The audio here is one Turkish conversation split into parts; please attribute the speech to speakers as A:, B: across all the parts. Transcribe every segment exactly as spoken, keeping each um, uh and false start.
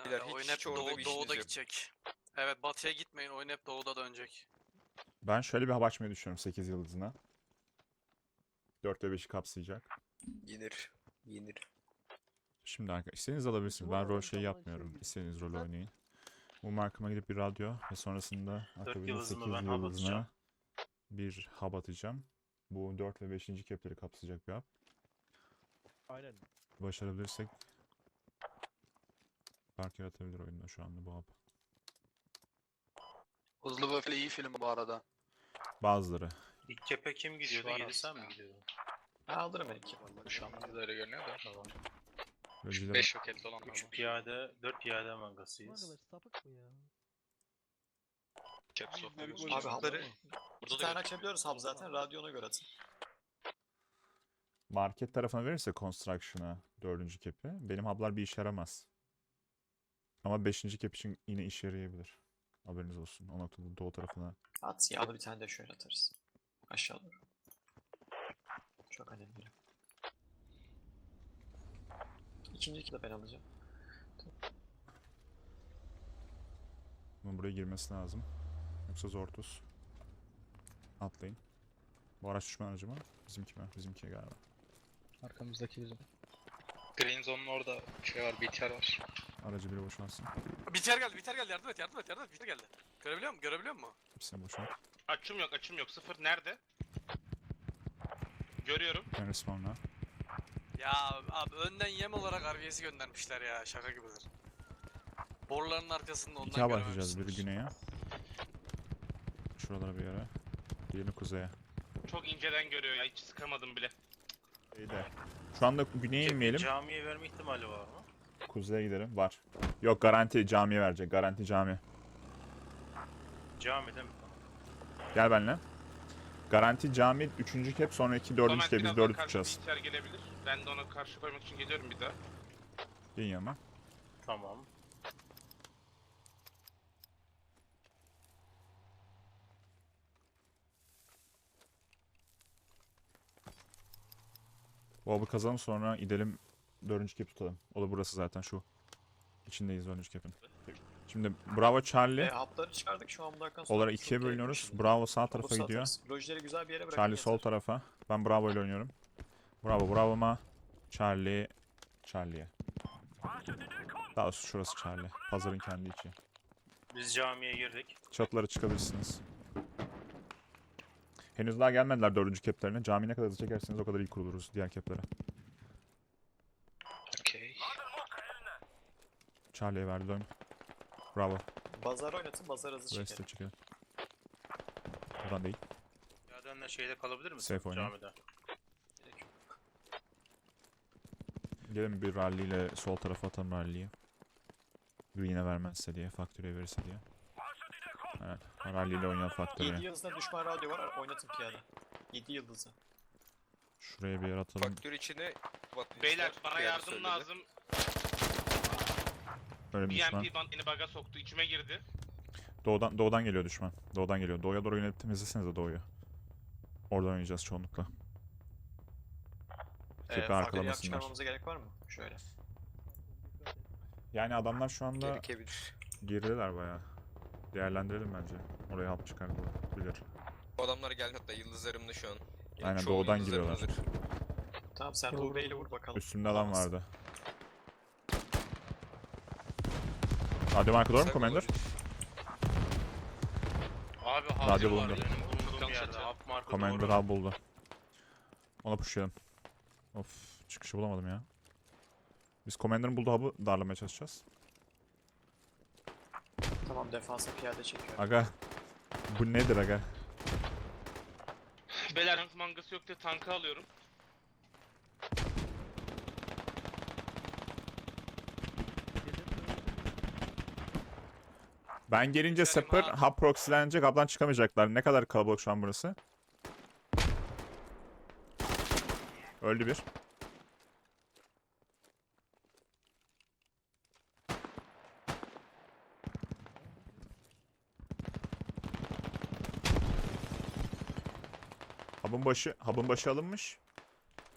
A: Beyler
B: Ya,
A: hiç,
B: oyun hep
A: hiç orada
B: doğu,
A: bir
B: doğuda
A: işiniz yok.
B: gidecek. Evet, batıya gitmeyin, oyun hep doğuda dönecek.
C: Ben şöyle bir hava açmayı düşünüyorum sekiz yıldızına. dört ve beşi kapsayacak.
A: Yenir. Yenir.
C: Şimdi arkadaşlar istediğiniz alabilirsiniz. Ben rol şeyi yapmıyorum. İstediğiniz rolü oynayın. Bu markama gidip bir radyo ve sonrasında akabinde
D: yıldızımı
C: sekiz
D: ben hub atacağım.
C: yıldızına bir hub atacağım. Bu dört ve beşinci kepleri kapsayacak bir hub.
E: Aynen.
C: Başarabilirsek fark yaratabilir oyunda şu anda bu hub.
B: Hızlı ve Öfkeli iyi film bu arada.
C: Bazıları.
D: İlk kepe kim gidiyordu?
B: Şu an
D: Yedi sen
B: aslında.
D: mi gidiyordun?
B: Ben alırım belki. Şu an bize öyle görünüyor da.
D: Tamam.
C: Rölciler-
B: beş roketli olan
D: üç piyade, dört piyade mangasıyız.
E: Arkadaş sapık mı ya?
B: Abi
F: boşlukları
B: hapları
F: iki tane açabiliyoruz hub zaten. Radyona göre atın.
C: Market tarafına verirse Construction'a dördüncü kepi benim hub'lar bir işe yaramaz. Ama beşinci kep için yine işe yarayabilir. Haberiniz olsun. O noktada doğu tarafına.
F: At yağlı bir tane de şöyle atarız. Aşağı doğru. Çok önemli. İkinci iki de ben alacağım.
C: Bunun buraya girmesi lazım. Yoksa zor tuz. Atlayın. Bu araç düşman aracı mı? Bizimki mi? Bizimki galiba.
G: Arkamızdaki bizim.
B: Green Zone'un orada şey var, B T R var.
C: Aracı biri boşalsın.
B: Biter geldi, biter geldi. Yardım et, yardım et, yardım et. Biter geldi. Görebiliyor musun? Görebiliyor musun?
C: Hepsine boşalt.
H: Açım yok, açım yok. Sıfır nerede? Görüyorum.
C: Ben respawn'la.
B: Ya abi önden yem olarak R V S'i göndermişler ya. Şaka gibidir. Boruların arkasında ondan
C: İki hava atacağız. Biri
B: görememişsindir.
C: güneye. Şuralara bir yere. Diğerini kuzeye.
H: Çok inceden görüyor ya. Hiç sıkamadım bile.
C: Şeyde. Şu anda güneye inmeyelim.
D: Camiye verme ihtimali var mı?
C: Kuzeye gidelim. Var. Yok garanti camiye verecek. Garanti cami.
D: Camide mi?
C: Gel benimle. Garanti cami üçüncü kep sonraki dördüncü
H: Sonra
C: kep biz
H: birazdan
C: dördü
H: karşı
C: tutacağız.
H: bilgisayar gelebilir. Ben de ona karşı koymak için geliyorum bir daha.
C: Gelin yanıma.
D: Tamam.
C: Bu avı kazalım sonra gidelim dördüncü kep tutalım. O da burası zaten şu. İçindeyiz dördüncü kepin. Şimdi Bravo Charlie.
F: E, hub'ları çıkardık şu an bunlardan sonra.
C: Olarak ikiye bölünüyoruz. Bravo sağ tarafa gidiyor.
F: Lojileri güzel bir yere bırakın.
C: Charlie sol tarafa. Ben Bravo ile oynuyorum. Bravo Bravo'ma. Charlie. Charlie'ye. Daha doğrusu şurası Charlie. Pazarın kendi içi.
D: Biz camiye girdik.
C: Çatılara çıkabilirsiniz. Henüz daha gelmediler dördüncü keplerine. Cami ne kadar hızlı çekerseniz o kadar iyi kuruluruz diğer keplere.
B: Okey.
C: Charlie'ye verdi dön. Bravo.
F: Bazar oynatın, bazar hızlı
C: Buraya
F: çekelim.
C: size çıkıyor. Buradan değil.
D: Piyadenle şeyde kalabilir misin?
C: Safe oynayın.
D: Camide.
C: Gelin bir rally ile sol tarafa atalım rally'yi. Green'e vermezse diye, Factory'e verirse diye. Evet, rally ile oynayan
F: yedi
C: Factory'e.
F: yıldızda düşman radyo var, oynatın piyade. yedi yıldızı.
C: Şuraya bir yer atalım.
A: Faktör içine batmışlar.
H: Beyler bana
A: Piyade
H: yardım
A: söyledi.
H: lazım.
C: Böyle bir düşman.
H: B M P band beni bug'a soktu. İçime girdi.
C: Doğudan, doğudan geliyor düşman. Doğudan geliyor. Doğuya doğru yönelip temizlesenize doğuyu. Oradan oynayacağız çoğunlukla.
F: Ee,
C: Kepi
F: farklı yer
C: arkalamasınlar.
F: çıkarmamıza gerek var mı? Şöyle.
C: Yani adamlar şu anda
A: Gerekebilir.
C: girdiler bayağı. Değerlendirelim bence. Oraya hap çıkartabilir.
A: Bu adamlar geldi hatta yıldızlarımda şu an. Yani
C: Aynen,
A: çoğu
C: doğudan
A: yıldızlarımdadır.
C: giriyorlar.
F: Tamam sen
E: Doğru,
F: Uğur'u ile
E: doğru.
F: vur bakalım.
C: Üstümde adam
F: Alamaz.
C: vardı. Radyo marka doğru mu
A: Kısa
C: Commander?
A: olabilir.
H: Abi
C: Radyo
H: hazır var
C: bulundu.
H: benim bulunduğum
B: Tam
H: yerde.
B: seti.
H: Up marka
C: Commander
H: doğru.
C: hub buldu. Ona pushlayalım. Of, çıkışı bulamadım ya. Biz Commander'ın bulduğu hub'ı darlamaya çalışacağız.
F: Tamam defansa piyade çekiyorum.
C: Aga. Bu nedir aga?
H: Beyler tank mangası yok diye tankı alıyorum.
C: Ben gelince Sapper hub proxylenecek, hub'dan çıkamayacaklar. Ne kadar kalabalık şu an burası? Öldü bir. Hub'ın başı, hub'ın başı alınmış.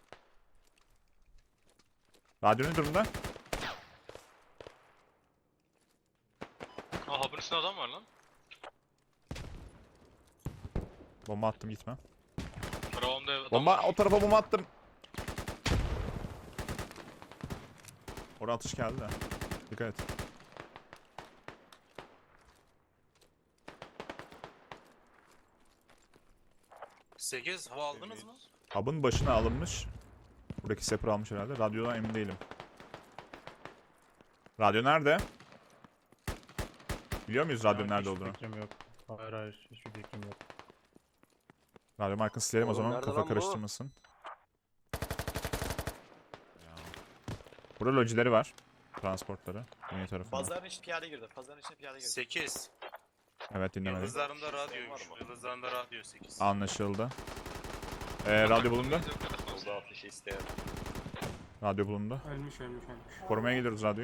C: Radyo ne durumda?
D: Üstüne adam var lan.
C: Bomba attım gitme.
H: Brown'da adam
C: Bomba
H: var.
C: o tarafa bomba attım. Oraya atış geldi de. Dikkat et.
D: sekiz hava aldınız mı?
C: Hub'ın başına alınmış. Buradaki Sepper almış herhalde. Radyodan emin değilim. Radyo nerede? Biliyor muyuz radyo nerede olduğunu?
E: Hiçbir fikrim yok. Hayır hayır hiçbir fikrim yok.
C: Radyo markası silelim o
A: Oğlum
C: zaman
A: nerede
C: kafa
A: lan bu?
C: karıştırmasın. Ya. Burada lojileri var. Transportları. Güney tarafında.
F: Pazarın içine piyade girdi. Pazarın içine piyade girdi.
D: sekiz.
C: Evet dinlemedim.
D: Yıldızlarında radyoymuş. Yıldızlarında radyo sekiz.
C: Anlaşıldı. Ee, radyo bulundu.
A: Oldu ateşi isteyen.
C: Radyo bulundu.
I: Ölmüş ölmüş ölmüş.
C: Korumaya gidiyoruz radyoyu.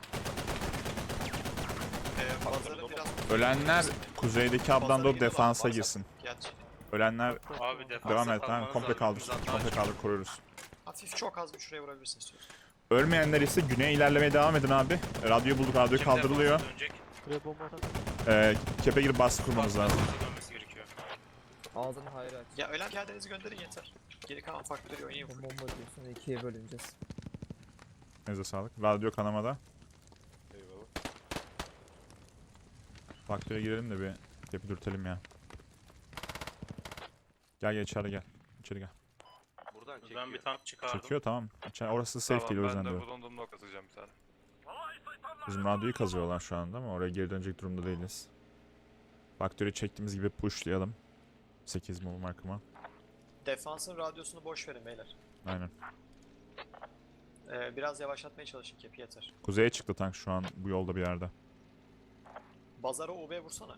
F: Ee, pazarın biraz...
C: Ölenler kuzeydeki abdan
F: Pazara
C: doğru
F: girdi,
C: defansa
F: varsa-
C: girsin.
F: Gerçi
C: Ölenler
D: Abi defansa
C: devam et. Tamam,
D: kalmanız
C: komple
D: lazım.
C: kaldır.
D: Biz hatta
C: Komple kaldır koruyoruz.
F: hafif çok az bir şuraya vurabilirsin istiyorsan.
C: Ölmeyenler ise güneye ilerlemeye devam edin abi. Radyoyu bulduk. Radyo
D: Kim
C: kaldırılıyor.
D: defansa dönecek?
E: Buraya bomba atak.
C: Ee, kepe girip baskı kurmanız lazım.
D: Defansa dönmesi gerekiyor.
J: Ağzını hayır aç.
F: Ya ölen piyadenizi gönderin yeter. Geri kalan faktörü oynayın.
J: Bomba diyorsun ikiye bölüneceğiz.
C: Neyse sağlık. Radyo kanamada.
A: Eyvallah.
C: Faktöre girelim de bir kepi dürtelim ya. Gel gel içeri gel. İçeri gel.
A: Buradan çekiyor.
D: Ben bir tank çıkardım.
C: Çekiyor tamam. İçeri, orası safe değil o yüzden diyorum.
I: bulunduğum nokta atacağım bir tane.
C: Bizim radyoyu kazıyorlar şu anda ama oraya geri dönecek durumda değiliz. Faktörü çektiğimiz gibi pushlayalım. sekiz mol markıma.
F: Defansın radyosunu boş verin beyler.
C: Aynen.
F: Ee, biraz yavaşlatmaya çalışın kepi yeter.
C: Kuzeye çıktı tank şu an bu yolda bir yerde.
F: Bazara U B vursana.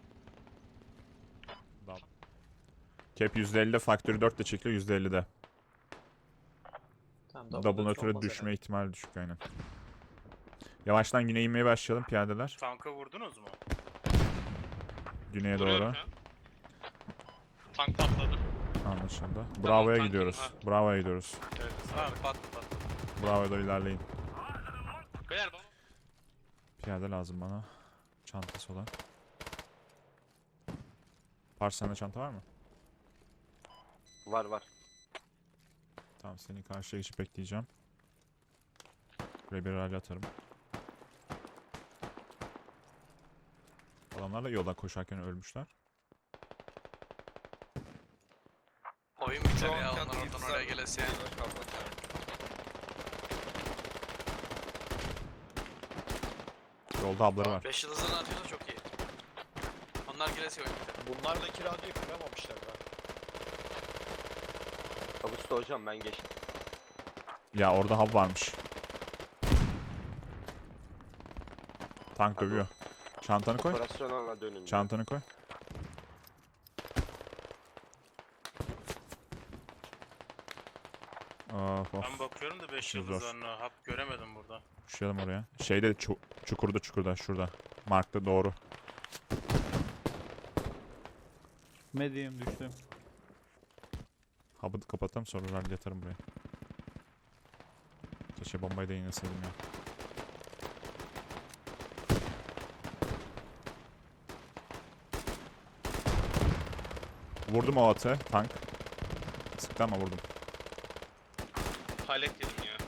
C: Cap yüzde ellide, faktörü dört de çekiyor yüzde ellide.
F: Tamam,
C: Double nötre
F: olmaz
C: düşme
F: herhalde.
C: ihtimali düşük aynen. Yavaştan güneye inmeye başlayalım piyadeler.
D: Tankı vurdunuz mu?
C: Güneye
H: Vuruyorum
C: doğru.
H: ya. Tank patladı.
C: Anlaşıldı. Bravo'ya
H: tank-
C: gidiyoruz.
H: ha.
C: Bravo'ya gidiyoruz.
H: Evet.
D: Tamam patlı patlı.
C: Bravo'ya doğru ilerleyin.
H: Beyler baba.
C: Piyade lazım bana. Çantası olan. Pars sende çanta var mı?
A: Var var.
C: Tamam seni karşıya geçip bekleyeceğim. Buraya bir rally atarım. Adamlar da yoldan koşarken ölmüşler.
B: Oyun biter
A: Şu
B: ya
A: an
B: onlar
A: kendi
B: oradan
A: yıldızlar-
B: oraya gelesi yani.
C: Yolda abları var.
B: beş yıldızın artıyorsa çok iyi. Onlar gelesi oyun biter.
F: Bunlardaki radyoyu kıramamışlar daha.
A: Ağustos hocam ben geçtim.
C: Ya orada hub varmış. Tank
A: Hadi.
C: dövüyor. Çantanı koy.
A: Operasyona dönün.
C: Çantanı koy. Of of.
D: Ben bakıyorum da beş
C: Zor.
D: yıldızlarına. Hap göremedim burada.
C: Düşelim oraya. Şeyde çu çukurda çukurda şurada. Markta doğru.
E: Medium düştüm.
C: Hub'ı kapatalım sonra rally atarım buraya. Keşke bombayı da iğneseydim ya. Vurdum o atı. Tank. Sıktı ama vurdum.
H: Palet yedim ya.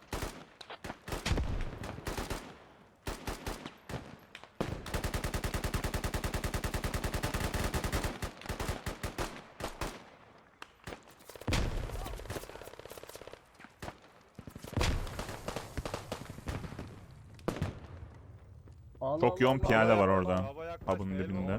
C: Çok yoğun piyade var orada. Hub'ın dibinde.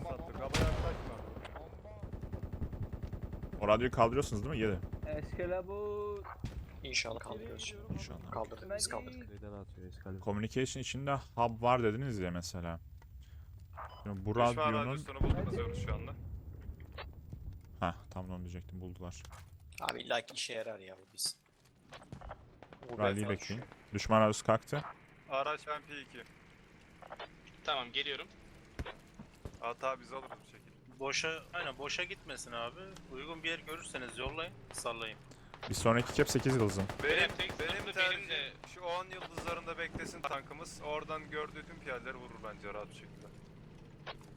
C: O radyoyu kaldırıyorsunuz değil mi? Yedi.
J: Eskelabur.
F: İnşallah kaldırıyoruz şimdi.
C: İnşallah.
F: Kaldırdık biz kaldırdık.
C: Communication içinde hub var dediniz ya mesela. Şimdi bu radyonun...
I: bulduk şu anda.
C: Heh tam onu diyecektim buldular.
F: Abi illa ki işe yarar ya bu biz. U B
C: Rally'yi
F: falan
C: bekleyin.
F: düşüyor.
C: Düşman radyosu kalktı.
I: Araç ben P iki.
H: Tamam geliyorum.
I: Hata biz alırız bu şekilde.
D: Boşa, aynen boşa gitmesin abi. Uygun bir yer görürseniz yollayın, sallayın.
C: Bir sonraki cap sekiz yıldızım.
I: Benim,
H: Benim tek
I: benim
H: sınıfta
I: tercihim
H: benim de-
I: şu on yıldızlarında beklesin tankımız. Oradan gördüğü tüm piyadeleri vurur bence rahat bir şekilde.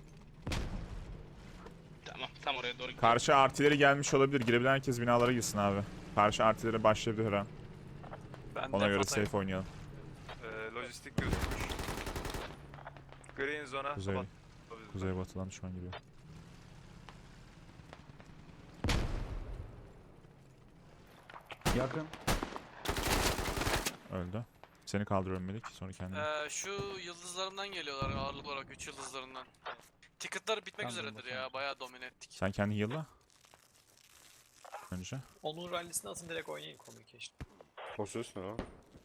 H: Tamam tam oraya doğru gidiyorum.
C: Karşı artileri gelmiş olabilir. Girebilen herkes binalara girsin abi. Karşı artileri başlayabilir her an.
B: Ben
C: Ona
B: de
C: göre
B: fatayım.
C: safe oynayalım.
I: Ee, lojistik gözükmüş. Green zone'a
C: Kuzey.
I: sabah.
C: Kuzeybatıdan düşman geliyor.
E: Yakın.
C: Öldü. Seni kaldırıyorum Melik. Sonra kendini.
B: Ee, şu yıldızlarından geliyorlar ağırlık olarak üç yıldızlarından. Ticket'lar bitmek
E: Tamam,
B: üzeredir
E: bakalım.
B: ya bayağı domine ettik.
C: Sen kendini heal'la. Önce.
F: Onun rallisini atın direkt oynayın communication.
A: Pozisyon o.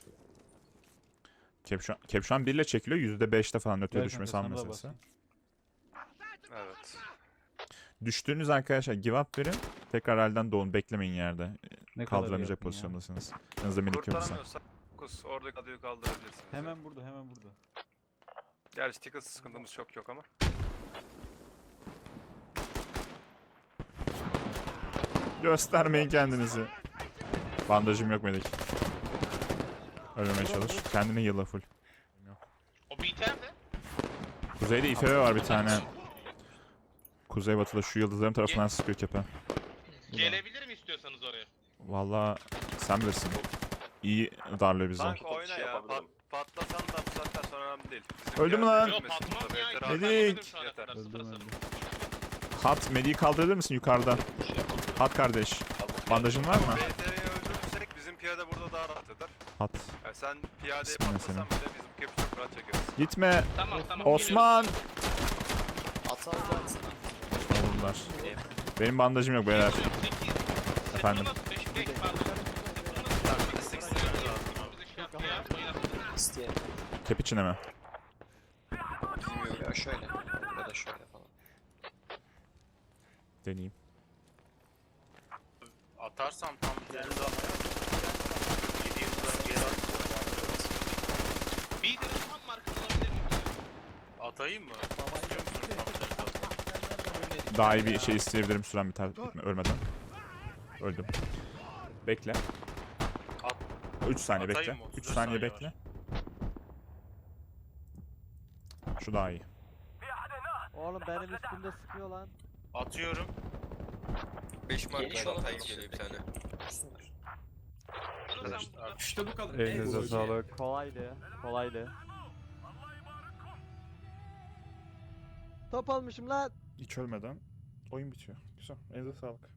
C: Kepşan, Kepşan bir ile çekiliyor. yüzde beşte falan öteye
E: Evet
C: düşme
E: kanka, sana da
C: meselesi.
E: basayım.
I: Evet.
C: Düştüğünüz arkadaşlar give up verin. Tekrar halden doğun. Beklemeyin yerde.
E: Ne kadar
C: Kaldıramayacak
E: yakın ya.
C: pozisyondasınız. Yanınızda minik yoksa.
I: Kurtaramıyorsak Kus oradaki adayı kaldırabilirsiniz.
E: Hemen burada, hemen burada.
I: Gerçi ticket sıkıntımız çok yok ama.
C: Göstermeyin kendinizi. Bandajım yok Melik. Ölmemeye çalış. Kendini heal'la full.
H: O biterdi.
C: Kuzeyde İ F B var bir tane. Kuzeybatıda şu yıldızların tarafından sıkıyor kepe.
H: Gelebilir mi istiyorsanız oraya?
C: Valla sen bilirsin. İyi darlıyor bizi.
I: Tank oyna
A: şey
I: ya.
A: yapabilirim.
I: Pat, patlasan da bu saatten sonra önemli değil. Bizim
C: Öldü mü
I: piyade
C: lan?
H: Yok
I: ölmesin
H: patlamam
I: burada,
H: ya.
I: yeter
H: iki
I: abi.
H: saat
C: Medik.
H: vermedim şu ana
I: Yeter.
H: kadar, sıfır
E: Öldüm,
H: sıfır.
E: öldüm.
C: Hat, Medi'yi kaldırabilir misin yukarıda? Hat kardeş. Bandajın var mı?
I: B T R'yi öldürürsek bizim piyade burada daha rahat eder.
C: Hat.
I: Yani sen piyadeye
C: Bismillah
I: patlasan bile biz bu kepi çok rahat çekeriz.
C: Gitme.
H: Tamam tamam.
C: Osman.
F: At at at.
C: Oldular. Benim bandajım yok beyler. Efendim?
F: İsteyen.
C: Kep içine mi?
F: Bilmiyorum ya şöyle. Ya da şöyle falan.
C: Deneyeyim.
D: Atarsam tam üzerinde yedi yıldan geri at.
H: Bir de tam markası olabilir mi?
D: Atayım mı? İstiyor musun tam üzerinde?
C: Daha iyi bir şey isteyebilirim süren biter bitme, ölmeden. Öldüm. Bekle.
D: At.
C: üç saniye
D: Atayım
C: bekle.
D: mı?
C: üç
D: otuz
C: saniye
D: saniye
C: bekle. Şu daha iyi.
J: Oğlum benim üstümde sıkıyor lan.
D: Atıyorum.
F: beş
A: Geniş olan
F: tank
A: geliyor bir tane.
F: İşte bu kadar.
E: Elinize sağlık. Kolaydı, kolaydı.
J: Top almışım lan.
C: Hiç ölmeden oyun bitiyor. Güzel. Elinize sağlık.